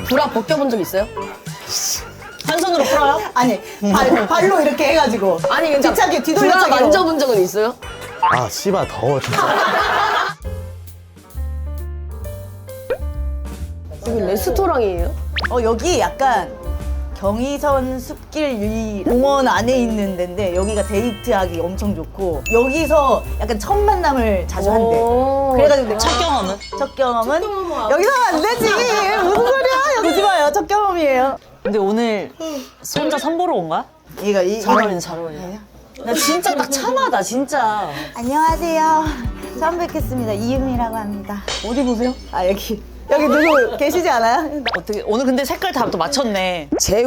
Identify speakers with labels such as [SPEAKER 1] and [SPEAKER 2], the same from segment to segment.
[SPEAKER 1] 브라 벗겨본 적 있어요?
[SPEAKER 2] 한 손으로 풀어요?
[SPEAKER 3] 아니 발로 이렇게 해가지고
[SPEAKER 1] 아니 그러니까
[SPEAKER 3] 뒤차기
[SPEAKER 1] 브라
[SPEAKER 3] 뒤돌려차기로
[SPEAKER 1] 만져본 적은 있어요?
[SPEAKER 4] 아 씨발 더워 진짜.
[SPEAKER 1] 여기 레스토랑이에요?
[SPEAKER 3] 여기 약간 경의선 숲길 공원 안에 있는 데인데 여기가 데이트하기 엄청 좋고 여기서 약간 첫 만남을 자주 한대.
[SPEAKER 1] 오.
[SPEAKER 3] 그래가지고 내가
[SPEAKER 2] 첫 경험은?
[SPEAKER 3] 첫 경험은 여기서 하면 안 되지. 무슨 소리야? 오지 마요. 첫 경험이에요.
[SPEAKER 2] 근데 오늘 혼자 선보러 온 거야?
[SPEAKER 3] 얘가
[SPEAKER 2] 잘 어울리네, 잘 어울리네. 나 진짜 딱 참하다, 진짜.
[SPEAKER 3] 안녕하세요. 처음 뵙겠습니다. 이유미라고 합니다. 어디 보세요? 아 여기 누구 계시지 않아요?
[SPEAKER 2] 어떻게, 오늘 근데 색깔 다 또 맞췄네.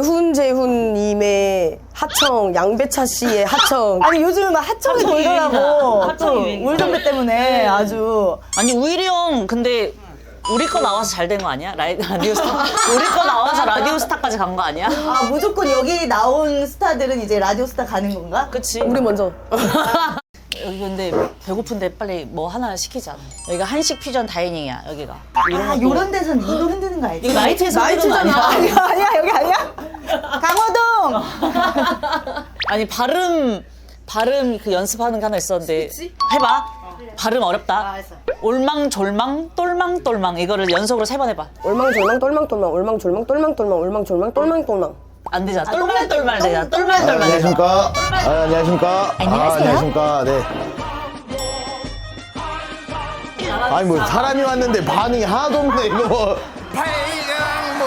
[SPEAKER 1] 재훈님의 하청, 양배차 씨의 하청.
[SPEAKER 3] 아니 요즘 막 하청이
[SPEAKER 2] 하청 유행이다.
[SPEAKER 3] 돌더라고.
[SPEAKER 2] 하청 유행이다.
[SPEAKER 3] 울정배 때문에 아주.
[SPEAKER 2] 아니, 우일이 형, 근데 우리 거 나와서 잘 된 거 아니야? 라디오 스타? 우리 거 나와서 라디오 스타까지 간 거 아니야?
[SPEAKER 3] 아 무조건 여기 나온 스타들은 이제 라디오 스타 가는 건가?
[SPEAKER 2] 그치?
[SPEAKER 1] 우리 먼저.
[SPEAKER 2] 여기 근데 배고픈데 빨리 뭐 하나 시키자. 여기가 한식 퓨전 다이닝이야, 여기가.
[SPEAKER 3] 아 요런 데선 이거 흔드는 거 알지?
[SPEAKER 2] 이거 나이트에서 하는 거 아니야?
[SPEAKER 3] 아니야 여기 아니야? 강호동.
[SPEAKER 2] 아니, 발음 그 연습하는 게 하나 있었는데. 해봐. 발음 어렵다.
[SPEAKER 3] 알았어.
[SPEAKER 2] 올망졸망 똘망똘망 이거를 연속으로 3번 해봐.
[SPEAKER 1] 올망졸망 똘망똘망 올망졸망 똘망똘망 올망졸망 똘망똘망.
[SPEAKER 2] 안 되잖아. 똘말똘말 되잖아. 똘말똘말 되잖아.
[SPEAKER 4] 안녕하십니까. 안녕하십니까. 안녕하십니까. 네. 아니 뭐 사람이 왔는데 반응이 하나도 없네 이거 뭐.
[SPEAKER 5] 발광모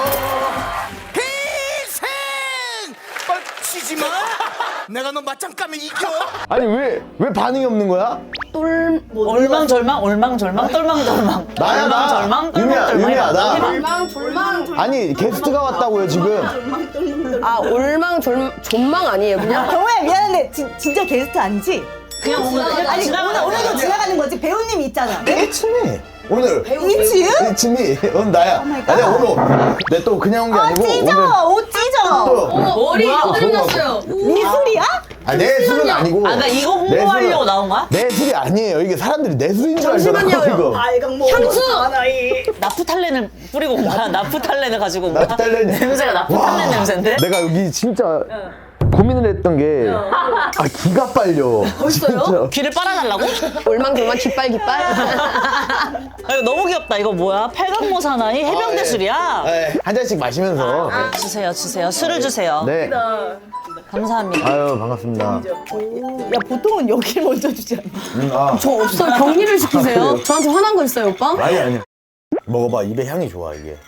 [SPEAKER 5] 희생 뻗치지 마. 내가 너 맞짱 까면 이겨.
[SPEAKER 4] 아니 왜 반응이 없는 거야?
[SPEAKER 2] 올망졸망 올망졸망 똘망똘망.
[SPEAKER 4] 나야 나.
[SPEAKER 2] 올망졸망
[SPEAKER 4] 유미야
[SPEAKER 2] 똘망똘망.
[SPEAKER 4] 유미야 나.
[SPEAKER 1] 올망졸망.
[SPEAKER 4] 아니 게스트가 왔다고요 지금.
[SPEAKER 1] 아 올망졸망 아니에요 그냥?
[SPEAKER 3] 경호야 미안한데 진짜 게스트 아니지?
[SPEAKER 2] 그냥 오늘
[SPEAKER 3] 아니
[SPEAKER 2] 지나가는
[SPEAKER 3] 오늘도
[SPEAKER 2] 거야.
[SPEAKER 3] 지나가는 거지. 배우님 있잖아.
[SPEAKER 4] 일침이 오늘.
[SPEAKER 3] 이치유?
[SPEAKER 4] 일침이 오늘 나야.
[SPEAKER 3] 마이
[SPEAKER 4] 아니
[SPEAKER 3] 갓.
[SPEAKER 4] 오늘 내 또 그냥 온 게
[SPEAKER 3] 아
[SPEAKER 4] 아니고
[SPEAKER 3] 찢어. 옷 찢어.
[SPEAKER 4] 또.
[SPEAKER 1] 머리 어들렸어요.
[SPEAKER 3] 네 술이야?
[SPEAKER 4] 내 술은 아니고.
[SPEAKER 2] 아, 나 이거
[SPEAKER 4] 내
[SPEAKER 2] 홍보하려고
[SPEAKER 4] 술은-
[SPEAKER 2] 나온 거야?
[SPEAKER 4] 내 술이 아니에요. 이게 사람들이 내 술인 줄 알더라고
[SPEAKER 1] 잠시만요.
[SPEAKER 4] 이거.
[SPEAKER 3] 발광모
[SPEAKER 1] 향수!
[SPEAKER 2] 나프탈렌을 뿌리고 온 거야? 나프탈렌을 가지고 온 거야?
[SPEAKER 4] 나프탈렌.
[SPEAKER 2] 냄새가 나프탈렌 냄새인데?
[SPEAKER 4] 내가 여기 진짜 고민을 했던 게 기가 빨려.
[SPEAKER 1] 벌써요?
[SPEAKER 2] 귀를 빨아달라고?
[SPEAKER 1] 올망졸망 깃발 깃발.
[SPEAKER 2] 아, 이거 너무 귀엽다. 이거 뭐야? 팔각모 사나이 해병대 술이야?
[SPEAKER 4] 한 잔씩 마시면서.
[SPEAKER 2] 주세요, 주세요. 술을 주세요.
[SPEAKER 4] 네.
[SPEAKER 2] 감사합니다.
[SPEAKER 4] 아유 반갑습니다.
[SPEAKER 3] 야 보통은 여길 먼저 주지 않나?
[SPEAKER 4] 아.
[SPEAKER 1] 저 없어요. 격리를 시키세요. 저한테 화난 거 있어요 오빠?
[SPEAKER 4] 아니. 먹어봐 입에 향이 좋아 이게.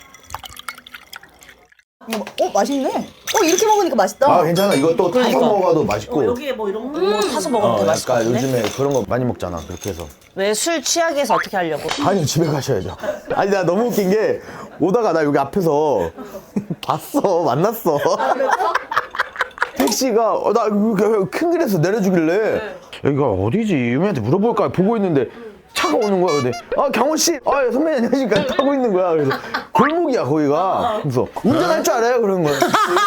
[SPEAKER 3] 맛있네. 이렇게 먹으니까 맛있다.
[SPEAKER 4] 아 괜찮아 이거 또 타서
[SPEAKER 2] 그러니까.
[SPEAKER 4] 먹어도 맛있고.
[SPEAKER 2] 여기에 뭐 이런 거 타서 먹으면 되게 맛있을 것
[SPEAKER 4] 약간
[SPEAKER 2] 같은데?
[SPEAKER 4] 요즘에 그런 거 많이 먹잖아 그렇게 해서.
[SPEAKER 2] 왜 술 취하게 해서 어떻게 하려고?
[SPEAKER 4] 아니 집에 가셔야죠. 아니 나 너무 웃긴 게 오다가 나 여기 앞에서 봤어 만났어. 택시가 나 큰 길에서 내려주길래 여기가 어디지 유미한테 물어볼까 보고 있는데 차가 오는 거야. 근데 경호 씨, 예, 선배님 안녕하십니까 타고 있는 거야. 그래서 골목이야 거기가. 그래서 운전할 줄 알아요 그런 거야.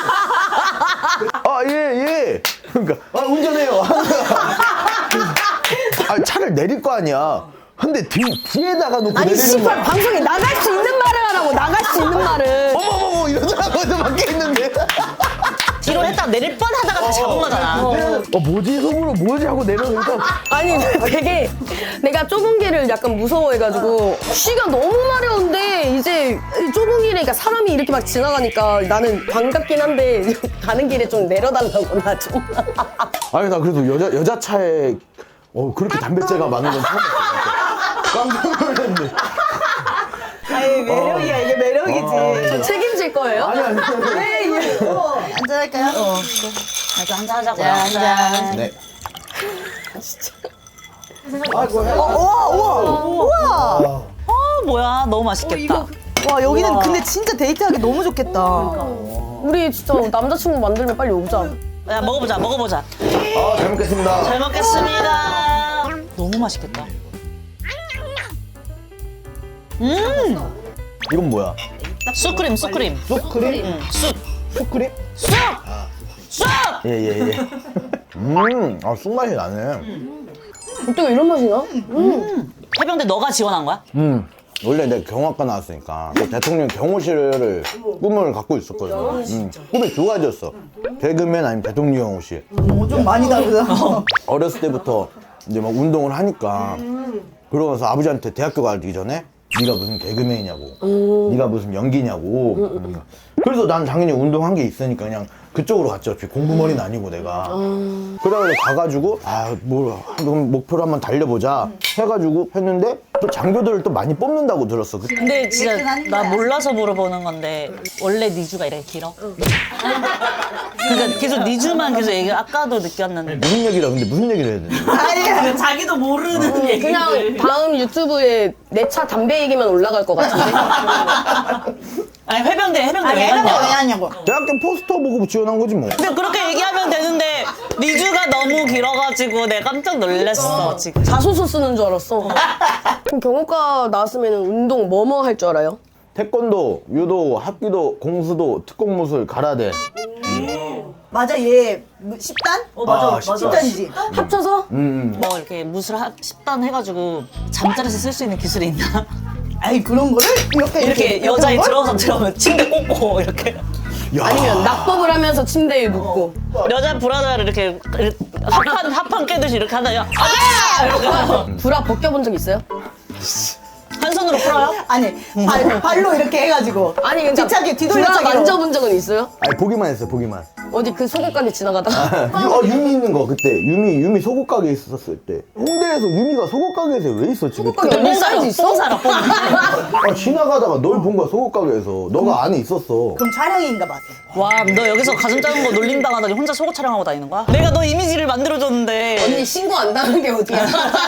[SPEAKER 4] 예. 그러니까 운전해요. 차를 내릴 거 아니야. 근데 뒤에다가 놓고
[SPEAKER 1] 아니
[SPEAKER 4] 내리는
[SPEAKER 1] 씨발
[SPEAKER 4] 거야.
[SPEAKER 1] 방송에 나갈 수 있는 말을 하라고 나갈 수 있는 말을.
[SPEAKER 4] 어머머머 이러더라고. 저 밖에 있는데.
[SPEAKER 2] 뒤로 했다 내릴 뻔 하다가 다 잡은 거잖아.
[SPEAKER 4] 뭐지 속으로 뭐지 하고 내려오니까
[SPEAKER 1] 아니 되게 내가 좁은 길을 약간 무서워해가지고 쉬가 너무 마려운데 이제 좁은 길에 그러니까 사람이 이렇게 막 지나가니까 나는 반갑긴 한데 가는 길에 좀 내려달라고 나 좀.
[SPEAKER 4] 아니 나 그래도 여자 차에 그렇게 단백질가 많은 건 처음 봤어. 깜짝 놀랐네.
[SPEAKER 3] 아니 매력이야 이게 매력이지.
[SPEAKER 1] 저 책임질 거예요?
[SPEAKER 4] 아니.
[SPEAKER 3] 한잔할까요?
[SPEAKER 2] 나도 한잔 하자고.
[SPEAKER 3] 짠.
[SPEAKER 4] 네.
[SPEAKER 3] 우와.
[SPEAKER 2] 뭐야? 너무 맛있겠다.
[SPEAKER 3] 와 여기는 근데 진짜 데이트하기 너무 좋겠다.
[SPEAKER 1] 우리 진짜 남자친구 만들면 빨리 오자.
[SPEAKER 2] 야, 먹어보자.
[SPEAKER 4] 잘 먹겠습니다.
[SPEAKER 2] 잘 먹겠습니다. 너무 맛있겠다.
[SPEAKER 4] 이건 뭐야?
[SPEAKER 2] 쑥크림.
[SPEAKER 4] 쑥크림?
[SPEAKER 2] 쑥.
[SPEAKER 4] 쑥크림?
[SPEAKER 2] 쑥! 쑥!
[SPEAKER 4] 예. 쑥맛이 나네.
[SPEAKER 1] 어떻게 이런 맛이 나?
[SPEAKER 2] 해병대 너가 지원한 거야?
[SPEAKER 4] 원래 내가 경호학과 나왔으니까 그 대통령 경호실을 꿈을 갖고 있었거든. 꿈이 두 가지였어. 개그맨 아니면 대통령 경호실.
[SPEAKER 3] 좀 많이 다르다.
[SPEAKER 4] 어렸을 때부터 이제 막 운동을 하니까 그러면서 아버지한테 대학교 가기 전에 네가 무슨 개그맨이냐고, 네가 무슨 연기냐고. 그래서 난 당연히 운동한 게 있으니까 그냥 그쪽으로 갔죠. 공부머리는 아니고 내가. 그래가지고 가가지고 그럼 목표를 한번 달려보자 해가지고 했는데 또 장교들을 또 많이 뽑는다고 들었어.
[SPEAKER 2] 근데 진짜 나 몰라서 물어보는 건데 원래 니주가 이렇게 길어? 그러니까 계속 니주만 계속 얘기 아까도 느꼈는데
[SPEAKER 4] 무슨 얘기라 근데 무슨 얘기를 해야 되는 거야?
[SPEAKER 3] 아니야.
[SPEAKER 2] 자기도 모르는 얘기
[SPEAKER 1] 그냥 다음 유튜브에 내 차 담배 얘기만 올라갈 것 같은데.
[SPEAKER 2] 아니 해병대
[SPEAKER 3] 아니
[SPEAKER 2] 왜
[SPEAKER 3] 해병대 왜
[SPEAKER 2] 갔냐?
[SPEAKER 3] 하냐고.
[SPEAKER 4] 대학교 포스터 보고 지원한 거지 뭐.
[SPEAKER 2] 근데 그렇게 얘기하면 되는데 니주가 너무 길어가지고 내가 깜짝 놀랐어 지금.
[SPEAKER 1] 자소서 쓰는 줄 알았어. 그럼 경호과 나왔으면 운동 뭐뭐 할 줄 알아요?
[SPEAKER 4] 태권도, 유도, 합기도, 공수도, 특공무술, 가라데.
[SPEAKER 3] 맞아 얘 10단?
[SPEAKER 4] 맞아.
[SPEAKER 3] 10단이지.
[SPEAKER 1] 합쳐서?
[SPEAKER 2] 뭐 이렇게 무술 10단 해가지고 잠자리에서 쓸 수 있는 기술이 있나?
[SPEAKER 3] 아이 그런 거를
[SPEAKER 2] 이렇게 여자애 들어가서 들어오면 침대 꽂고 이렇게
[SPEAKER 4] 야.
[SPEAKER 1] 아니면 낙법을 하면서 침대에 눕고.
[SPEAKER 2] 여자 브라자를 이렇게 합판 깨듯이 이렇게 하다가 아! 이렇게 하고
[SPEAKER 1] 브라 벗겨본 적 있어요?
[SPEAKER 2] 한 손으로 풀어요?
[SPEAKER 3] 아니 발로 이렇게 해가지고
[SPEAKER 1] 아니 근데
[SPEAKER 3] 뒤차기
[SPEAKER 1] 브라
[SPEAKER 3] 뒤돌려차기
[SPEAKER 1] 만져본 적은 있어요?
[SPEAKER 4] 아니 보기만 했어 보기만.
[SPEAKER 1] 어디 그 소고관에 지나가다가?
[SPEAKER 4] 유미 있는 거 그때 유미 속옷 가게 있었을 때 홍대에서 유미가 속옷 가게에서 왜 있었지?
[SPEAKER 1] 속옷 가게 언니 사이즈 있어?
[SPEAKER 2] 뽕 살아 뽕.
[SPEAKER 4] 아, 지나가다가 널 본 거야 속옷 가게에서. 너가 안에 있었어.
[SPEAKER 3] 그럼 촬영인가 봐.
[SPEAKER 2] 와, 너 여기서 가슴 작은 거 놀림당하다니 혼자 속옷 촬영하고 다니는 거야? 내가 너 이미지를 만들어줬는데
[SPEAKER 1] 언니 신고 안 당한 게 어디야?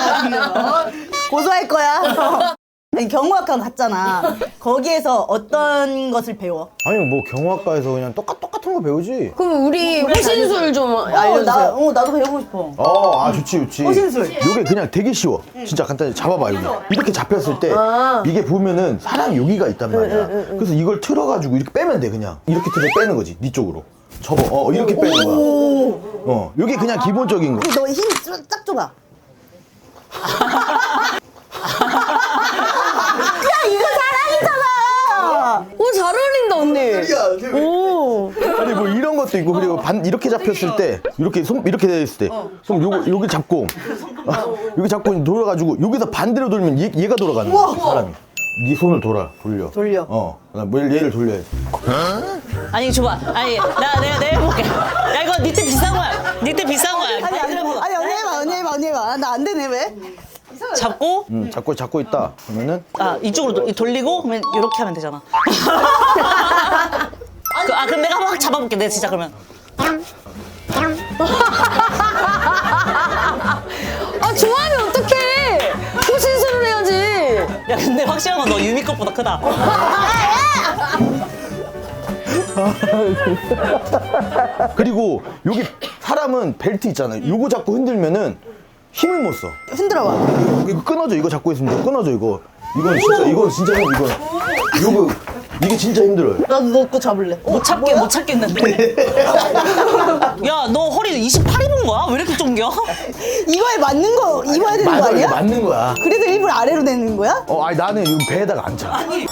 [SPEAKER 3] 고소할 거야. 아니, 경호학과 갔잖아. 거기에서 어떤 것을 배워?
[SPEAKER 4] 아니 뭐 경호학과에서 그냥 똑같은 거 배우지.
[SPEAKER 1] 그럼 우리 호신술 좀 알려주세요.
[SPEAKER 3] 나도 배우고 싶어.
[SPEAKER 4] 좋지.
[SPEAKER 3] 호신술.
[SPEAKER 4] 요게 그냥 되게 쉬워. 진짜 간단히 잡아봐 여기. 이렇게 잡혔을 때 이게 보면은 사람 여기가 있단 말이야. 그래서 이걸 틀어가지고 이렇게 빼면 돼 그냥. 이렇게 틀어 빼는 거지 네 쪽으로. 접어. 이렇게 빼는 거야. 요게 그냥 기본적인 거.
[SPEAKER 3] 너 힘 딱 줘봐. 야 이거 사랑이잖아.
[SPEAKER 1] 오, 잘 어울린다 언니. 오.
[SPEAKER 4] 아니 뭐 이런 것도 있고 그리고 이렇게 잡혔을 때 이렇게 이렇게 돼 있을 때 손 요기 잡고 여기 잡고 돌아가지고 여기서 반대로 돌면 얘가 돌아가는 거야 사람이. 네 손을 돌려. 뭐 얘를 돌려야지.
[SPEAKER 2] 아니 줘봐. 아니 내가 해볼게. 야 이거 니트 비싼 거야. 니트 비싼 거야.
[SPEAKER 3] 아니 언니 해봐. 나 안 되네 왜?
[SPEAKER 2] 잡고
[SPEAKER 4] 잡고 있다 그러면은
[SPEAKER 2] 이쪽으로 돌리고 그러면 이렇게 하면 되잖아. 그럼 내가 한번 잡아볼게. 내가 진짜 그러면.
[SPEAKER 1] 아 좋아하면 어떡해. 호신술을 해야지.
[SPEAKER 2] 야 근데 확실한 건 너 유미 것보다 크다.
[SPEAKER 4] 그리고 여기 사람은 벨트 있잖아요. 요거 잡고 흔들면은 힘을 못 써.
[SPEAKER 3] 흔들어봐.
[SPEAKER 4] 이거 끊어져. 이거 잡고 있으면 이거 끊어져. 이건 진짜 요거 이게 진짜 힘들어요.
[SPEAKER 3] 나도 너 거 잡을래.
[SPEAKER 2] 못 찾겠는데. 야 너 허리 28 입은 거야? 왜 이렇게 쫑겨?
[SPEAKER 3] 이거에 맞는 거 입어야 되는 거
[SPEAKER 4] 맞아, 이게
[SPEAKER 3] 아니야?
[SPEAKER 4] 맞는 거야.
[SPEAKER 3] 그래서 일부러 아래로 내는 거야?
[SPEAKER 4] 아니 나는 여기 배에다가 안 차.
[SPEAKER 2] 아니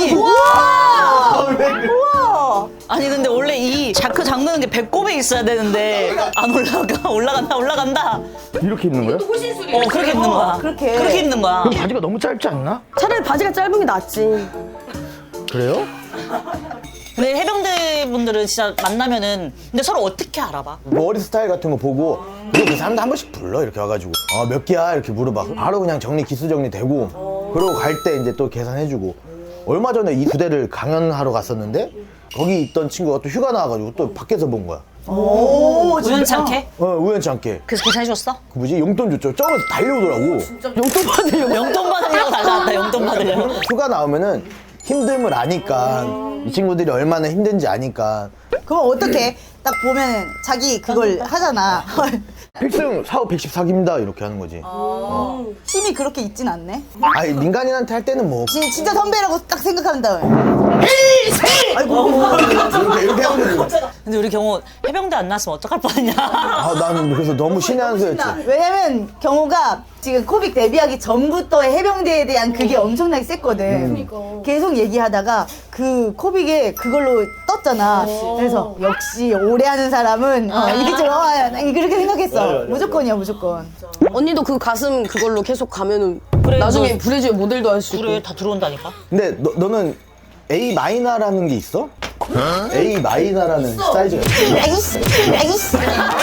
[SPEAKER 3] 우와.
[SPEAKER 2] 아니 근데 원래 이 자크 잠그는 게 배꼽에 있어야 되는데 안 올라간다.
[SPEAKER 4] 이렇게 입는 거야?
[SPEAKER 2] 그렇게 입는 거야. 그렇게 입는 거야.
[SPEAKER 4] 그럼 바지가 너무 짧지 않나?
[SPEAKER 1] 차라리 바지가 짧은 게 낫지.
[SPEAKER 4] 그래요?
[SPEAKER 2] 근데 해병대 분들은 진짜 만나면은 근데 서로 어떻게 알아봐?
[SPEAKER 4] 머리 스타일 같은 거 보고 그 사람도 한 번씩 불러 이렇게 와가지고 몇 개야 이렇게 물어봐. 바로 그냥 기수 정리되고 그러고 갈 때 이제 또 계산해주고. 얼마 전에 이 부대를 강연하러 갔었는데 거기 있던 친구가 또 휴가 나와가지고 또 밖에서 본 거야.
[SPEAKER 3] 오
[SPEAKER 2] 우연치 않게?
[SPEAKER 4] 우연치 않게.
[SPEAKER 2] 그래서 계산해줬어?
[SPEAKER 4] 그 뭐지? 용돈 줬죠. 저기서 달려오더라고.
[SPEAKER 1] 용돈 받으려고.
[SPEAKER 2] 용돈 받으려고 달려왔다. 용돈 받으려고.
[SPEAKER 4] 휴가 나오면은 힘듦을 아니까 이 친구들이 얼마나 힘든지 아니까
[SPEAKER 3] 그럼 어떻게 딱 보면 자기 그걸 하잖아.
[SPEAKER 4] 필승 사후 114기입니다 이렇게 하는 거지.
[SPEAKER 3] 힘이 그렇게 있진 않네.
[SPEAKER 4] 아니 민간인한테 할 때는 뭐
[SPEAKER 3] 진짜 선배라고 딱 생각한 다음에.
[SPEAKER 4] 이렇게 하는 거지.
[SPEAKER 2] 근데 우리 경호 해병대 안 나왔으면 어떡할 뻔했냐.
[SPEAKER 4] 아, 나는 그래서 너무 신의 한 수였지.
[SPEAKER 3] 왜냐면 경호가 지금 코빅 데뷔하기 전부터의 해병대에 대한 그게 엄청나게 셌거든. 계속 얘기하다가 그 코빅에 그걸로 떴잖아. 그래서 역시 오래 하는 사람은 이게 좋아요. 난 그렇게 생각했어. 무조건이야 무조건.
[SPEAKER 1] 언니도 그 가슴 그걸로 계속 가면은
[SPEAKER 2] 그래,
[SPEAKER 1] 나중에
[SPEAKER 2] 너-
[SPEAKER 1] 브래지어 모델도 할 수 있고.
[SPEAKER 2] 그래 다 들어온다니까.
[SPEAKER 4] 근데 너는 A 마이너라는 게 있어? A 마이너라는 사이즈가 있어.
[SPEAKER 3] 나이스.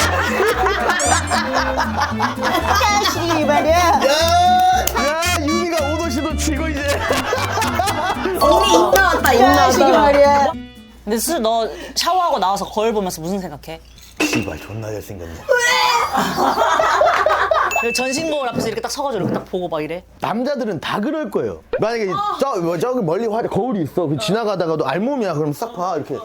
[SPEAKER 3] 자식이 말이야.
[SPEAKER 4] 야, 유미가 오도시도 치고 이제.
[SPEAKER 1] 언니 입 나왔다 입
[SPEAKER 3] 자식이
[SPEAKER 1] 나왔다.
[SPEAKER 3] 말이야.
[SPEAKER 2] 근데 너 샤워하고 나와서 거울 보면서 무슨 생각해?
[SPEAKER 4] 씨발 존나 잘생겼네.
[SPEAKER 2] 전신 거울 앞에서 이렇게 딱 서가지고 이렇게 딱 보고 막 이래.
[SPEAKER 4] 남자들은 다 그럴 거예요. 만약에 저기 멀리 거울이 있어. 그 지나가다가도 알몸이야. 그럼 싹 봐. 이렇게.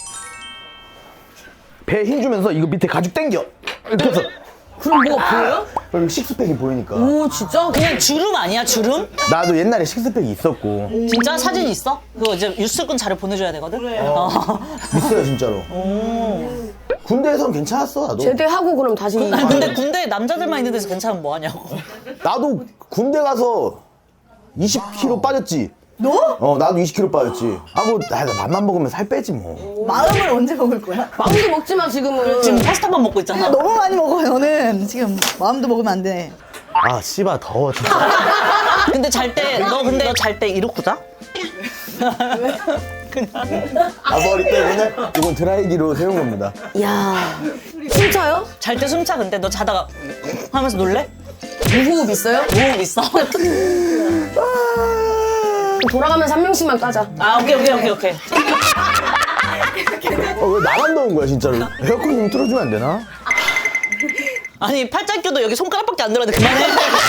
[SPEAKER 4] 배에 힘 주면서 이거 밑에 가죽 당겨. 이렇게 해서.
[SPEAKER 1] 그럼 뭐가 보여요?
[SPEAKER 4] 그럼 식스팩이 보이니까.
[SPEAKER 1] 오 진짜?
[SPEAKER 2] 그냥 주름 아니야 주름?
[SPEAKER 4] 나도 옛날에 식스팩이 있었고.
[SPEAKER 2] 진짜 사진 있어? 그거 이제 뉴스꾼 자료 보내줘야 되거든?
[SPEAKER 4] 있어요, 진짜로. 군대에선 괜찮았어, 나도.
[SPEAKER 1] 제대하고 그럼 다시.
[SPEAKER 2] 아니 근데 군대에 남자들만 있는 데서 괜찮으면 뭐하냐고.
[SPEAKER 4] 나도 군대 가서 20kg 빠졌지.
[SPEAKER 3] 너?
[SPEAKER 4] 나도 20kg 빠졌지. 나 맘만 먹으면 살 빼지 뭐.
[SPEAKER 3] 마음을 언제 먹을 거야?
[SPEAKER 1] 마음도 먹지 마 지금은.
[SPEAKER 2] 지금 파스타만 먹고 있잖아.
[SPEAKER 3] 너무 많이 먹어 너는. 지금 마음도 먹으면 안 돼.
[SPEAKER 4] 아, 씨발, 더워, 진짜.
[SPEAKER 2] 근데 잘 때 너 잘 때 이러고 자?
[SPEAKER 4] 아, 머리 때문에? 이건 드라이기로 세운 겁니다.
[SPEAKER 1] 야 진짜요?
[SPEAKER 2] 잘 때 숨차 근데 너 자다가 하면서 놀래?
[SPEAKER 1] 무호흡 있어요?
[SPEAKER 2] 호흡 있어?
[SPEAKER 1] 돌아가면서 한 명씩만 까자.
[SPEAKER 2] 아 오케이.
[SPEAKER 4] 왜 나만 더운 거야, 진짜로? 에어컨 좀 틀어주면 안 되나?
[SPEAKER 2] 아니 팔짱 껴도 여기 손가락밖에 안 들었는데 그만해.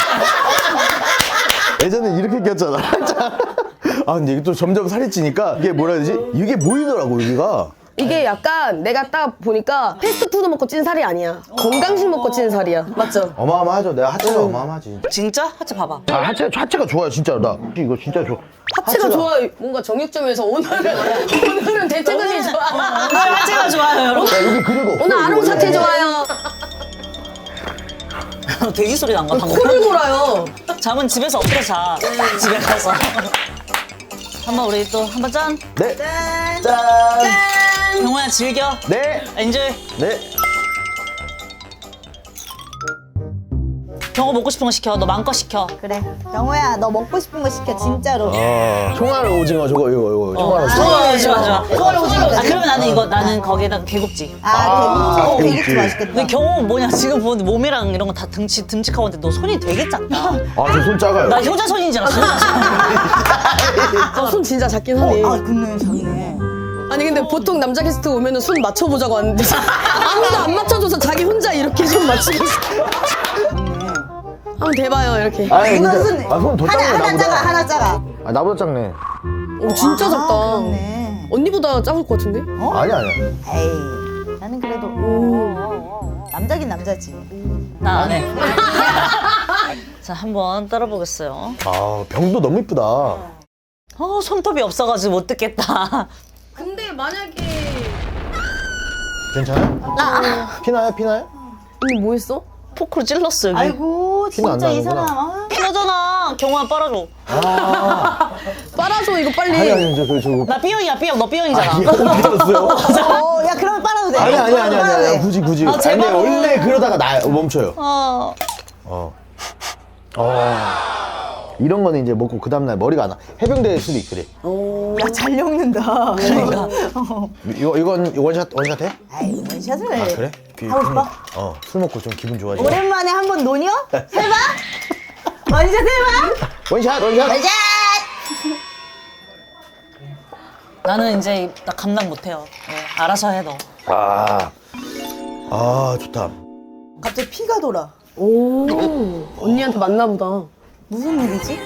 [SPEAKER 4] 예전에 이렇게 꼈잖아. 아, 근데 이게 또 점점 살이 찌니까 이게 뭐라 해야 되지? 이게 보이더라고, 여기가.
[SPEAKER 1] 이게 약간 내가 딱 보니까 패스트푸드 먹고 찐 살이 아니야. 건강식 먹고 찐 살이야. 맞죠?
[SPEAKER 4] 어마어마하죠. 내가 하체가 어마어마하지.
[SPEAKER 2] 진짜? 하체 봐봐.
[SPEAKER 4] 아, 하체가 좋아요, 진짜로. 나 이거 진짜 좋아.
[SPEAKER 1] 하체가 좋아요. 뭔가 정육점에서 오늘은 대퇴근이 좋아.
[SPEAKER 2] 오늘 하체가 좋아요 여러분.
[SPEAKER 4] 야, 여기 그리고 없어.
[SPEAKER 1] 오늘 아롱
[SPEAKER 4] 이거
[SPEAKER 1] 사태
[SPEAKER 4] 원래.
[SPEAKER 1] 좋아요.
[SPEAKER 2] 돼지 소리 난가 방금.
[SPEAKER 1] 코를 골아요.
[SPEAKER 2] 잠은 집에서 엎드려 자. 집에 가서. 한번 우리 또 한번 짠.
[SPEAKER 4] 네. 짠.
[SPEAKER 2] 경호야 즐겨.
[SPEAKER 4] 네.
[SPEAKER 2] 엔조이.
[SPEAKER 4] 네.
[SPEAKER 2] 경호 먹고 싶은 거 시켜. 너 마음껏 시켜.
[SPEAKER 3] 그래. 경호야 너 먹고 싶은 거 시켜 진짜로.
[SPEAKER 4] 총알 오징어 저거 이거 총알 오징어.
[SPEAKER 2] 좋아.
[SPEAKER 1] 그걸 오징어.
[SPEAKER 2] 아 그러면 나는 거기에다가 개국지.
[SPEAKER 3] 개국지 맛있겠다.
[SPEAKER 2] 근데 경호 뭐냐 지금 보는데 몸이랑 이런 거 다 듬직하고 있는데 너 손이 되게 작다.
[SPEAKER 4] 아, 저 손 작아요.
[SPEAKER 2] 나 효자손인 줄 알았어.
[SPEAKER 1] 손 진짜 작긴 하네.
[SPEAKER 3] 근데 작네.
[SPEAKER 1] 아니 근데 보통 남자 게스트 오면은 손 맞춰보자고 하는데 아무도 안 맞춰줘서 자기 혼자 이렇게 손 맞추고 있어. 한번 대봐요 이렇게.
[SPEAKER 4] 아니
[SPEAKER 3] 이거
[SPEAKER 4] 근데 손 더 작네
[SPEAKER 3] 하나
[SPEAKER 4] 나보다.
[SPEAKER 3] 작아 하나 작아.
[SPEAKER 4] 아, 나보다 작네.
[SPEAKER 1] 오 진짜 작다.
[SPEAKER 3] 그렇네.
[SPEAKER 1] 언니보다 작을 것 같은데?
[SPEAKER 4] 아니야.
[SPEAKER 3] 에이 나는 그래도 남자긴 남자지.
[SPEAKER 2] 나 안 해. 자 한번 따라보겠어요.
[SPEAKER 4] 아, 병도 너무 이쁘다.
[SPEAKER 2] 손톱이 없어가지고 못 듣겠다.
[SPEAKER 1] 근데 만약에
[SPEAKER 4] 괜찮아요? 피나요?
[SPEAKER 1] 언니 뭐 했어?
[SPEAKER 2] 포크로 찔렀어 여기.
[SPEAKER 3] 아이고
[SPEAKER 4] 피는 안
[SPEAKER 3] 진짜 이
[SPEAKER 4] 나는구나.
[SPEAKER 3] 사람. 아.
[SPEAKER 2] 피너잖아. 경호야 빨아줘.
[SPEAKER 1] 빨아줘 이거 빨리.
[SPEAKER 4] 아니 저거.
[SPEAKER 2] 나 B형이야 B형. 너 B형이잖아.
[SPEAKER 4] 이게 어디 갔어요?
[SPEAKER 3] 야 그러면 빨아도 돼.
[SPEAKER 4] 아니 굳이.
[SPEAKER 2] 제발.
[SPEAKER 4] 근데 원래 그러다가 멈춰요. 이런 거는 이제 먹고 그 다음날 머리가 안 와. 해병대 수도 있 그래.
[SPEAKER 3] 야잘 엮는다.
[SPEAKER 2] 그러니까.
[SPEAKER 4] 이건 원샷 해?
[SPEAKER 3] 아이 원샷을 해.
[SPEAKER 4] 아, 그래?
[SPEAKER 3] 하고 싶어?
[SPEAKER 4] 술 먹고 좀 기분 좋아지.
[SPEAKER 3] 오랜만에 한번 노녀? 해봐? 원샷 해봐?
[SPEAKER 4] 원샷.
[SPEAKER 2] 나는 이제 나 감당 못해요. 알아서 해 너.
[SPEAKER 4] 좋다.
[SPEAKER 3] 갑자기 피가 돌아.
[SPEAKER 1] 오 언니한테 맞나 보다.
[SPEAKER 3] 무슨 일이지?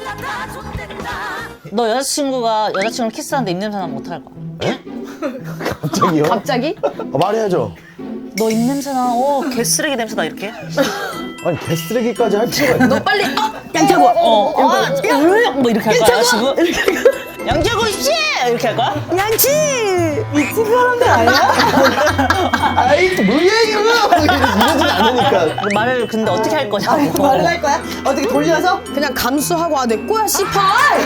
[SPEAKER 2] 너 여자친구랑 키스하는데 입냄새 나면 어떡할 거야?
[SPEAKER 4] 갑자기요?
[SPEAKER 1] 갑자기?
[SPEAKER 4] 말해야죠.
[SPEAKER 2] 너 입냄새 나. 개쓰레기 냄새 나 이렇게.
[SPEAKER 4] 아니 개쓰레기까지 할 필요가 있나?
[SPEAKER 1] 너 빨리 양태고.
[SPEAKER 2] 뭐 이렇게 할 거야 지금? 양재고 씨! 이렇게 할 거야?
[SPEAKER 1] 양치!
[SPEAKER 3] 미친 사람들 아니야?
[SPEAKER 4] 아이 뭐야 이거 이러진 않으니까.
[SPEAKER 2] 말을 근데 어떻게 할 거냐고.
[SPEAKER 3] 말을 할 거야? 어떻게 돌려서?
[SPEAKER 1] 그냥 감수하고 아 내 거야 씨발!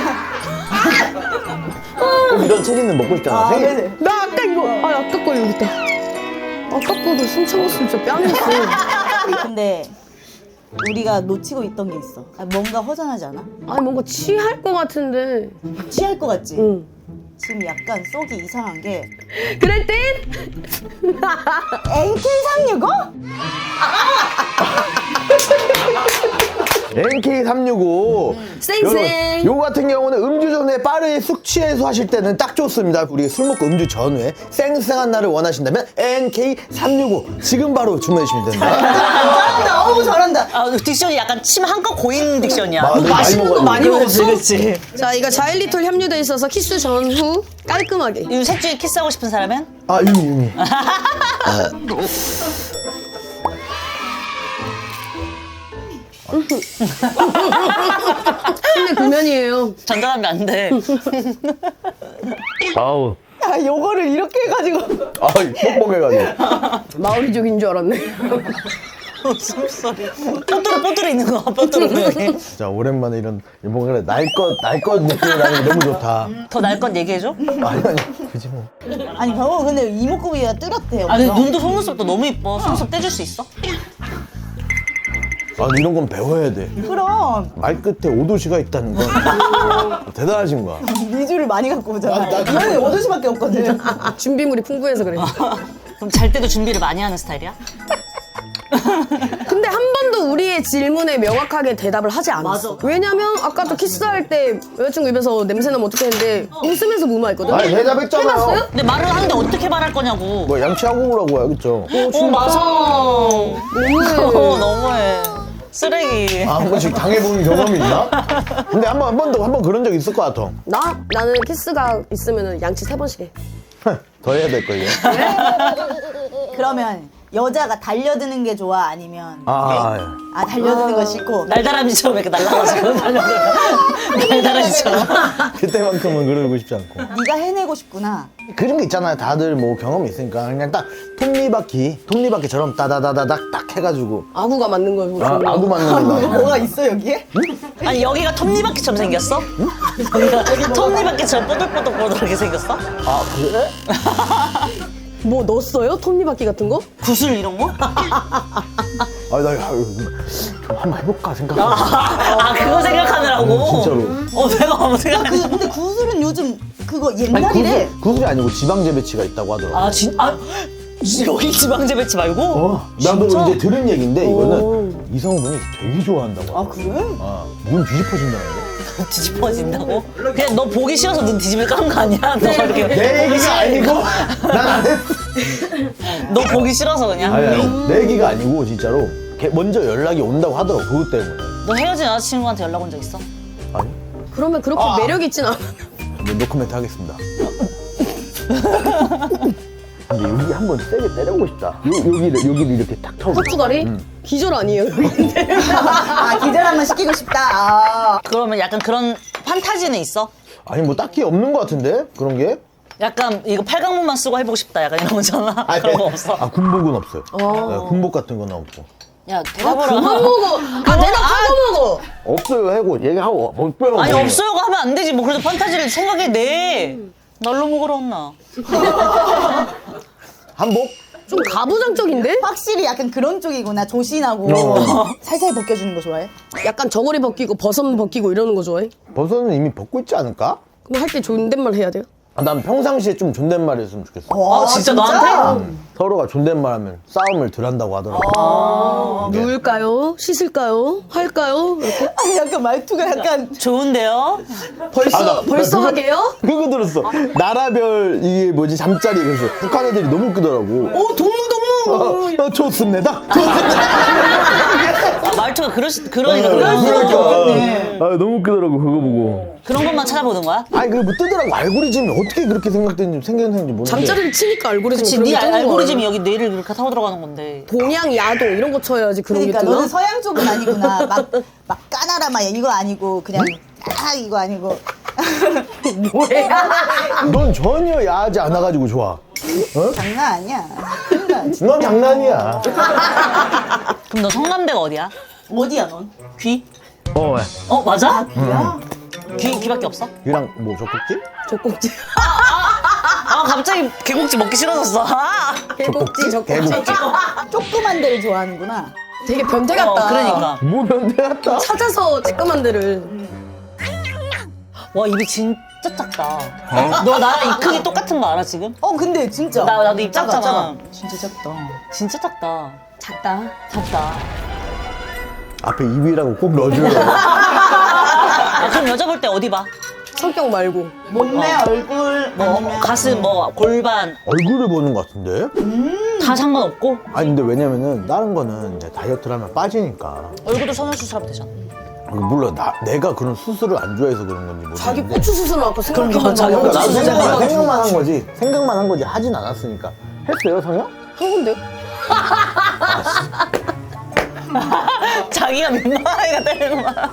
[SPEAKER 4] 꼭 이런 체리는 먹고 싶잖아.
[SPEAKER 3] 아,
[SPEAKER 4] 생일
[SPEAKER 3] 네네.
[SPEAKER 1] 나 아까 이거 아까 거 여기 있다. 아까 거도 숨 참았으면 진짜 뺨이었어.
[SPEAKER 3] 근데 우리가 놓치고 있던 게 있어. 뭔가 허전하지 않아?
[SPEAKER 1] 아니 뭔가 취할 것 같은데.
[SPEAKER 3] 취할 것 같지?
[SPEAKER 1] 응.
[SPEAKER 3] 지금 약간 속이 이상한 게
[SPEAKER 1] 그럴 땐
[SPEAKER 3] NK365?
[SPEAKER 4] NK365
[SPEAKER 1] 쌩쌩.
[SPEAKER 4] 요 같은 경우는 음주 전에 빠르게 숙취해소 하실 때는 딱 좋습니다. 우리 술 먹고 음주 전후에 쌩쌩한 날을 원하신다면 NK365 지금 바로 주문해 주시면 됩니다.
[SPEAKER 3] 잘한다. 어우 잘한다.
[SPEAKER 2] 아, 딕션이 약간 침 한껏 고인 딕션이야.
[SPEAKER 4] 뭐
[SPEAKER 1] 맛있는 거 많이 먹었어?
[SPEAKER 2] 그렇지.
[SPEAKER 1] 자 이거 자일리톨 함유돼 있어서 키스 전후 깔끔하게.
[SPEAKER 2] 이 셋 중에 키스하고 싶은 사람은?
[SPEAKER 4] 아 유미.
[SPEAKER 1] 근데 구면이에요.
[SPEAKER 2] 전달하면 안 돼.
[SPEAKER 4] 아우.
[SPEAKER 3] 야 요거를 이렇게 해가지고
[SPEAKER 4] 아 뻑뻑해가지고.
[SPEAKER 1] 마오리족인 줄 알았네.
[SPEAKER 2] 웃음소리. 뽀뚜루 있는 거, 뽀뚜루.
[SPEAKER 4] 진짜 오랜만에 이런 뭔가 날것 느낌이 나는 게 너무 좋다.
[SPEAKER 2] 더 날 건 얘기해줘?
[SPEAKER 4] 아니 그지 뭐.
[SPEAKER 3] 아니 병호 근데 이목구비가 뚜렷해.
[SPEAKER 2] 아니,
[SPEAKER 3] 엄청.
[SPEAKER 2] 눈도 속눈썹도 너무 이뻐. 속눈썹 떼줄 수 있어?
[SPEAKER 4] 아 이런 건 배워야 돼.
[SPEAKER 3] 그럼
[SPEAKER 4] 말 끝에 오도시가 있다는 건 대단하신 거야.
[SPEAKER 3] 미주를 많이 갖고 오잖아. 나는 5도시밖에 없거든.
[SPEAKER 1] 준비물이 풍부해서 그래.
[SPEAKER 2] 그럼 잘 때도 준비를 많이 하는 스타일이야?
[SPEAKER 1] 근데 한 번도 우리의 질문에 명확하게 대답을 하지 않았어. 왜냐면 아까도 키스할 때 여자친구 입에서 냄새나면 어떻게 했는데 웃으면서 무마했거든.
[SPEAKER 4] 아니 대답했잖아요.
[SPEAKER 1] 해봤어요?
[SPEAKER 2] 근데 말을 하는데 어떻게 말할 거냐고.
[SPEAKER 4] 뭐 양치하고 오라고 해야겠죠.
[SPEAKER 2] 맞아.
[SPEAKER 1] 너무해.
[SPEAKER 2] 너무해. 쓰레기.
[SPEAKER 4] 아, 한 번씩 당해본 경험이 있나? 근데 한 번 그런 적 있을 것 같아.
[SPEAKER 1] 나는 키스가 있으면 양치 3번씩 해.
[SPEAKER 4] 더 해야 될 거, 이게.
[SPEAKER 3] 그러면 여자가 달려드는 게 좋아 아니면
[SPEAKER 4] 아,
[SPEAKER 3] 달려드는 거 싫고
[SPEAKER 2] 날다람쥐처럼 이렇게 날아가지고 날다람쥐처럼.
[SPEAKER 4] 그때만큼은 그러고 싶지 않고.
[SPEAKER 3] 네가 해내고 싶구나.
[SPEAKER 4] 그런 게 있잖아요. 다들 뭐 경험이 있으니까. 그냥 딱 톱니바퀴처럼 따다다다닥 딱 해가지고.
[SPEAKER 1] 아구가 맞는 거야.
[SPEAKER 4] 아구 맞는 거.
[SPEAKER 3] 뭐가 있어 여기에?
[SPEAKER 2] 아니, 여기가 톱니바퀴처럼 생겼어? 여기가 톱니바퀴처럼 뽀들뽀들뽀들하게 생겼어?
[SPEAKER 4] 아, 그래?
[SPEAKER 1] 뭐 넣었어요? 톱니바퀴 같은 거?
[SPEAKER 2] 구슬 이런 거?
[SPEAKER 4] 아, 나 좀 한번 해볼까 생각하고.
[SPEAKER 2] 아, 그거 생각하느라고?
[SPEAKER 4] 진짜로.
[SPEAKER 2] 내가 아무 생각 안 했어.
[SPEAKER 3] 근데 구슬은 요즘 그거
[SPEAKER 4] 아니,
[SPEAKER 3] 옛날이래.
[SPEAKER 4] 구슬이 아니고 지방재배치가 있다고 하더라고.
[SPEAKER 2] 여기 지방제 배치 말고?
[SPEAKER 4] 나도
[SPEAKER 2] 진짜?
[SPEAKER 4] 이제 들은 얘기인데 이거는 이성분이 되게 좋아한다고.
[SPEAKER 3] 아 그래?
[SPEAKER 4] 눈 뒤집어진다는 거.
[SPEAKER 2] 뒤집어진다고? 그냥 너 보기 싫어서 눈 뒤집을 깐 거 아니야? 너 이렇게
[SPEAKER 4] 내 얘기가 아니고 난 안 했어.
[SPEAKER 2] 너 보기 싫어서 그냥?
[SPEAKER 4] 아니, 내 얘기가 아니고 진짜로 먼저 연락이 온다고 하더라고. 그것 때문에.
[SPEAKER 2] 너 헤어진 여자친구한테 연락 온 적 있어?
[SPEAKER 4] 아니,
[SPEAKER 1] 그러면 그렇게 매력 있진 않아.
[SPEAKER 4] 네, 노코멘트 하겠습니다. 근데 여기 한번 세게 때려보고 싶다. 여기를 이렇게 탁 털고.
[SPEAKER 1] 헛주가리? 기절 아니에요, 여기인데.
[SPEAKER 3] 기절 한번 시키고 싶다.
[SPEAKER 2] 그러면 약간 그런 판타지는 있어?
[SPEAKER 4] 아니 뭐 딱히 없는 것 같은데 그런 게?
[SPEAKER 2] 약간 이거 팔강문만 쓰고 해보고 싶다 약간 이런 거잖아. 그런 거 없어?
[SPEAKER 4] 군복은 없어요. 네, 군복 같은 건 없고.
[SPEAKER 2] 야 대답을
[SPEAKER 1] 그만 먹어. 내가 그거 먹어.
[SPEAKER 4] 없어요 하고 얘기하고 못 빼고.
[SPEAKER 2] 아니 없어요가 하면 안 되지. 뭐 그래도 판타지를 생각해내. 날로 먹으러 왔나?
[SPEAKER 4] 한복?
[SPEAKER 1] 좀 가부장적인데?
[SPEAKER 3] 확실히 약간 그런 쪽이구나. 조신하고 살살 벗겨주는 거 좋아해?
[SPEAKER 1] 약간 저고리 벗기고 버섯 벗기고 이러는 거 좋아해?
[SPEAKER 4] 버섯은 이미 벗고 있지 않을까?
[SPEAKER 1] 그럼 할 때 존댓말 해야 돼요?
[SPEAKER 4] 난 평상시에 좀 존댓말 했으면 좋겠어.
[SPEAKER 2] 아 진짜 너한테?
[SPEAKER 4] 서로가 존댓말하면 싸움을 덜 한다고 하더라고.
[SPEAKER 1] 누울까요? 씻을까요? 할까요? 이렇게?
[SPEAKER 3] 약간 말투가 약간
[SPEAKER 2] 좋은데요?
[SPEAKER 1] 벌써 하게요?
[SPEAKER 4] 그거 들었어. 나라별 이게 뭐지 잠자리 그래서 북한 애들이 너무 웃기더라고.
[SPEAKER 1] 동무.
[SPEAKER 4] 좋습니다.
[SPEAKER 2] 말투가 그러니까
[SPEAKER 4] 그러니까. 너무 웃기더라고 그거 보고.
[SPEAKER 2] 그런 것만 찾아보는 거야?
[SPEAKER 4] 아니 그게 뭐 뜨더라고. 알고리즘이 어떻게 그렇게 생겼는지 모르겠는데.
[SPEAKER 1] 잠자리를 치니까 알고리즘이
[SPEAKER 2] 그치,
[SPEAKER 1] 그런
[SPEAKER 2] 네
[SPEAKER 1] 게 뜨는 거야.
[SPEAKER 2] 알고리즘이 여기 뇌를 이렇게 타고 들어가는 건데.
[SPEAKER 1] 동양, 야동 이런 거 쳐야지 그런
[SPEAKER 3] 그러니까
[SPEAKER 1] 게 뜨나?
[SPEAKER 3] 너는 서양 쪽은 아니구나. 막 까나라 막 이거 아니고 그냥 이거 아니고
[SPEAKER 4] 넌 전혀 야하지 않아가지고 좋아.
[SPEAKER 3] 장난 아니야.
[SPEAKER 4] 넌 장난이야.
[SPEAKER 2] 그럼 너 성남대가 어디야?
[SPEAKER 3] 어디야 넌?
[SPEAKER 2] 귀?
[SPEAKER 4] 어,
[SPEAKER 2] 어 맞아? 귀밖에 없어?
[SPEAKER 4] 유랑 뭐 젖꼭지?
[SPEAKER 1] 젖꼭지.
[SPEAKER 2] 아 갑자기 개국지 먹기 싫어졌어.
[SPEAKER 1] 개국지, 젖꼭지.
[SPEAKER 4] 개국지.
[SPEAKER 3] 조그만 데를 좋아하는구나.
[SPEAKER 1] 되게 변태 같다.
[SPEAKER 2] 그러니까.
[SPEAKER 4] 뭐 변태 같다.
[SPEAKER 1] 찾아서 쬐끄만 데를.
[SPEAKER 2] 와 입이 진짜 작다. 너 나랑 입 크기 똑같은 거 알아 지금?
[SPEAKER 3] 근데 진짜.
[SPEAKER 2] 나도 입
[SPEAKER 3] 작아,
[SPEAKER 2] 작잖아.
[SPEAKER 3] 작아. 진짜 작다.
[SPEAKER 2] 진짜 작다.
[SPEAKER 1] 작다.
[SPEAKER 2] 작다.
[SPEAKER 4] 앞에 입이라고 꼭 넣어줘요.
[SPEAKER 2] 아, 그럼 여자 볼 때 어디 봐?
[SPEAKER 1] 성격 말고.
[SPEAKER 3] 몸매, 얼굴,
[SPEAKER 2] 뭐 가슴, 뭐 골반
[SPEAKER 4] 얼굴을 보는 것 같은데?
[SPEAKER 2] 다 상관없고
[SPEAKER 4] 아니 근데 왜냐면은 다른 거는 이제 다이어트를 하면 빠지니까.
[SPEAKER 2] 얼굴도 성형수술하면 되잖아.
[SPEAKER 4] 물론 내가 그런 수술을 안 좋아해서 그런 건지 모르겠는데.
[SPEAKER 1] 자기 고추 수술을 아까
[SPEAKER 2] 그러니까
[SPEAKER 1] 생각해본
[SPEAKER 2] 자기
[SPEAKER 1] 거야.
[SPEAKER 2] 고추
[SPEAKER 4] 나도
[SPEAKER 2] 수술
[SPEAKER 4] 생각만 한 거지. 생각만 한 거지. 하진 않았으니까. 했어요, 성형?
[SPEAKER 1] 한 건데요?
[SPEAKER 2] 자기가 민망하니까 때리는 거야.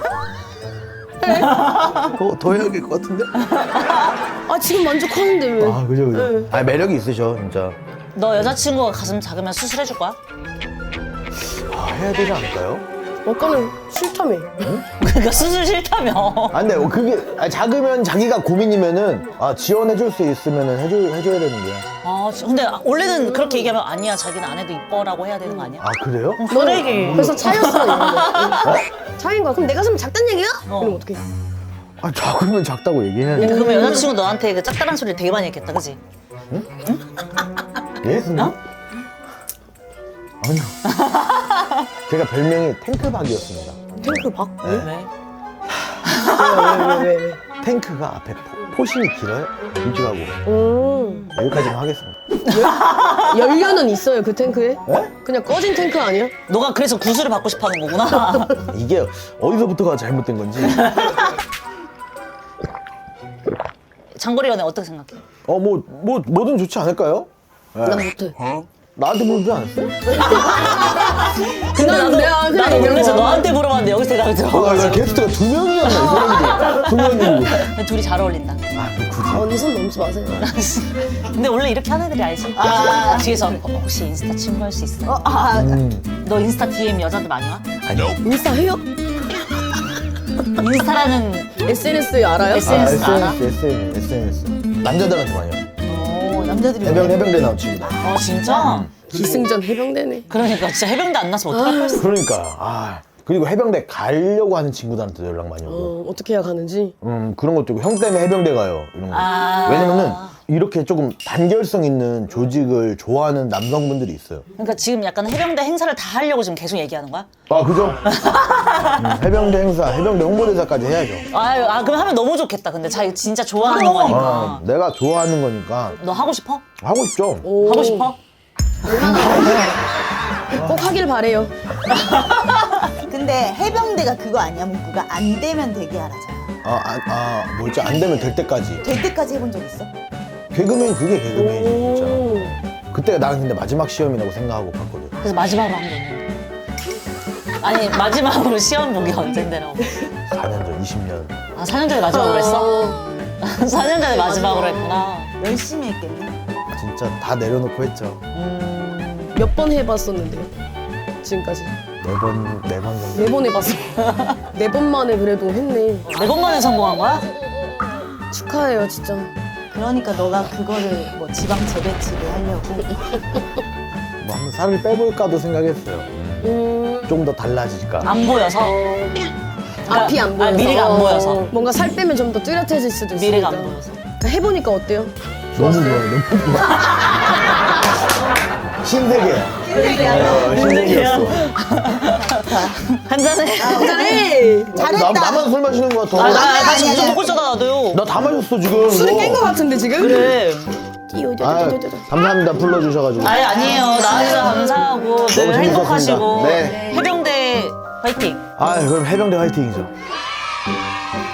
[SPEAKER 4] 그거 더 해야 될 것 같은데?
[SPEAKER 1] 아 지금 만족하는데 왜?
[SPEAKER 4] 아, 그죠, 그죠.
[SPEAKER 1] 네.
[SPEAKER 4] 아, 매력이 있으셔, 진짜.
[SPEAKER 2] 너 여자친구가 가슴 작으면 수술해줄 거야?
[SPEAKER 4] 아, 해야 되지 않을까요?
[SPEAKER 1] 아까는 싫다며.
[SPEAKER 2] 그러니까 수술 싫다며.
[SPEAKER 4] 아, 근데 그게 작으면 자기가 고민이면은 지원해줄 수 있으면은 해줘야 되는 거야.
[SPEAKER 2] 아, 근데 원래는 그렇게 얘기하면 아니야 자기는 안 해도 이뻐라고 해야 되는 거 아니야?
[SPEAKER 4] 아, 그래요?
[SPEAKER 2] 쓰레기.
[SPEAKER 1] 그래서 차였어. 차인 거야. 그럼 내 가슴 작단 얘기야? 그럼 어떡해?
[SPEAKER 4] 아, 작으면 작다고 얘기해야지.
[SPEAKER 2] 그러면 여자친구 너한테 그 짝다란 소리 되게 많이 했겠다, 그지?
[SPEAKER 4] 예? 어? 아니요. 제가 별명이 탱크박이었습니다.
[SPEAKER 1] 탱크 박?
[SPEAKER 2] 왜?
[SPEAKER 1] 왜?
[SPEAKER 4] 탱크가 앞에 포신이 길어요? 일찍하고. 여기까지만 하겠습니다.
[SPEAKER 1] 연료는 있어요 그 탱크에?
[SPEAKER 4] 네?
[SPEAKER 1] 그냥 꺼진 탱크 아니야?
[SPEAKER 2] 너가 그래서 구슬을 받고 싶어 하는 거구나.
[SPEAKER 4] 이게 어디서부터가 잘못된 건지.
[SPEAKER 2] 장거리 연애 어떻게 생각해?
[SPEAKER 4] 뭐든 좋지 않을까요? 네.
[SPEAKER 1] 난 못해.
[SPEAKER 4] 나한테 물지 않았어요?
[SPEAKER 2] 근데 나도
[SPEAKER 1] 내가
[SPEAKER 2] 놀라서 너한테 물어봤는데 여기서 대답이 들어가지고
[SPEAKER 4] 게스트가 2명이었나, 이 사람들이. 2명이고.
[SPEAKER 2] 둘이 잘 어울린다.
[SPEAKER 1] 언니 손 넘지 마세요.
[SPEAKER 2] 근데 원래 이렇게 하는 애들이 알지? 뒤에서 혹시 인스타 친구할 수 있어? 너 인스타 DM 여자들 많이 와?
[SPEAKER 1] 인스타 해요?
[SPEAKER 2] 인스타라는
[SPEAKER 1] SNS 알아요?
[SPEAKER 2] SNS 알아?
[SPEAKER 4] SNS. 남자들한테 많이 와요.
[SPEAKER 3] 남자들이
[SPEAKER 4] 해병대 나온 친구들.
[SPEAKER 2] 진짜?
[SPEAKER 1] 기승전 해병대네.
[SPEAKER 2] 그러니까 진짜 해병대 안 났으면 어떡할 뻔했어.
[SPEAKER 4] 그러니까. 그리고 해병대 가려고 하는 친구들한테 연락 많이 오고.
[SPEAKER 1] 어떻게 해야 가는지.
[SPEAKER 4] 그런 것도 있고, 형 때문에 해병대 가요. 이런 거. 왜냐면은, 이렇게 조금 단결성 있는 조직을 좋아하는 남성분들이 있어요.
[SPEAKER 2] 그러니까 지금 약간 해병대 행사를 다 하려고 지금 계속 얘기하는 거야?
[SPEAKER 4] 아, 그죠? 해병대 행사, 해병대 홍보대사까지 해야죠.
[SPEAKER 2] 그럼 하면 너무 좋겠다. 근데 자기 진짜 좋아하는 거니까.
[SPEAKER 4] 내가 좋아하는 거니까
[SPEAKER 2] 너 하고 싶어?
[SPEAKER 4] 하고 싶죠.
[SPEAKER 2] 하고 싶어?
[SPEAKER 1] 꼭 하길 바래요.
[SPEAKER 3] 근데 해병대가 그거 아니야 문구가 안 되면 되게 하라잖아.
[SPEAKER 4] 뭐지? 안 되면 될 때까지.
[SPEAKER 3] 될 때까지 해본 적 있어?
[SPEAKER 4] 개그맨 그게 개그맨이지, 진짜. 그때가 나는 근데 마지막 시험이라고 생각하고 갔거든.
[SPEAKER 2] 그래서 마지막으로 한 게 있는데. 아니 마지막으로 시험 보기 언젠데라고.
[SPEAKER 4] 4년 전, 20년.
[SPEAKER 2] 4년 전에 마지막으로 했어? 4년 전에 마지막으로 했구나.
[SPEAKER 3] 열심히 했겠네.
[SPEAKER 4] 진짜 다 내려놓고 했죠.
[SPEAKER 1] 몇 번 해봤었는데요? 지금까지.
[SPEAKER 4] 4번 정도.
[SPEAKER 1] 4번 해봤어. 4번 만에 그래도 했네.
[SPEAKER 2] 4번 만에 성공한 거야?
[SPEAKER 1] 축하해요 진짜.
[SPEAKER 3] 그러니까 너가 그거를 뭐 지방 재배치를 하려고.
[SPEAKER 4] 뭐 한번 살을 빼볼까도 생각했어요. 좀 더 달라질까.
[SPEAKER 2] 안 보여서?
[SPEAKER 1] 앞이 안 보여서.
[SPEAKER 2] 미래가 안 보여서.
[SPEAKER 1] 뭔가 살 빼면 좀 더 뚜렷해질 수도 있으니까.
[SPEAKER 2] 미래가 안 보여서.
[SPEAKER 1] 해보니까 어때요?
[SPEAKER 4] 너무 좋아요, 너무 좋아. 신세계. 신세계였어.
[SPEAKER 2] 한잔해.
[SPEAKER 1] 잘해.
[SPEAKER 4] 나만 술 마시는 거 같아.
[SPEAKER 2] 나 지금 좀 먹고 있잖아 나도요.
[SPEAKER 4] 나 다 마셨어, 지금.
[SPEAKER 1] 술을
[SPEAKER 4] 이거.
[SPEAKER 1] 깬 것 같은데 지금?
[SPEAKER 2] 그래.
[SPEAKER 4] 감사합니다, 불러주셔가지고.
[SPEAKER 2] 아니에요. 나와주셔서 감사하고 늘
[SPEAKER 4] 너무
[SPEAKER 2] 행복하시고
[SPEAKER 4] 재밌었습니다. 네.
[SPEAKER 2] 해병대 화이팅.
[SPEAKER 4] 그럼 해병대 화이팅이죠.